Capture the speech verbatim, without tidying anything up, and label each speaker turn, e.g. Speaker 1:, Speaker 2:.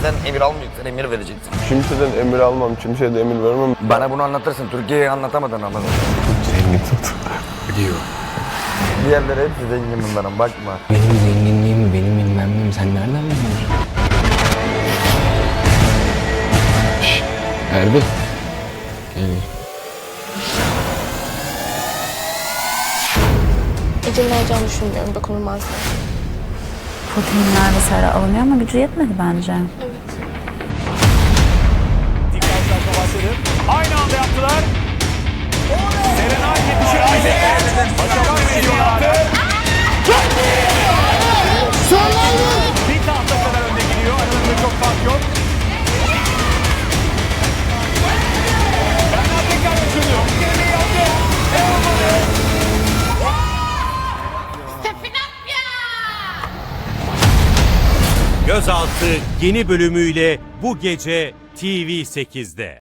Speaker 1: Kimseden emir almayacaksın, emir vereceksin.
Speaker 2: Kimseden emir almam, kimseye de emir vermem.
Speaker 1: Bana bunu anlatırsın, Türkiye'yi anlatamadın ama.
Speaker 2: Zengin tut. Biliyor.
Speaker 1: Diğerleri hepsi zengin bunların, bakma.
Speaker 3: Benim zenginliğimi, benim bilmem neyimi sen nereden biliyorsun? Şşş, Erbil. Gel.
Speaker 4: Ece'nin olacağını düşünmüyorum, dokunulmazlar.
Speaker 5: Proteinler vesaire alınıyor ama gücü yetmedi bence.
Speaker 6: Dikkat başladı. Aynı anda yaptılar. Serenay yetişebildi. Aşağıdan veriyorlardı. Bir tahta kadar önde gidiyor. Aralarında çok fark yok. Bernard tekrar açılıyor. Geriye yaptı. Ne olmadı?
Speaker 7: Gözaltı yeni bölümüyle bu gece T V sekizde.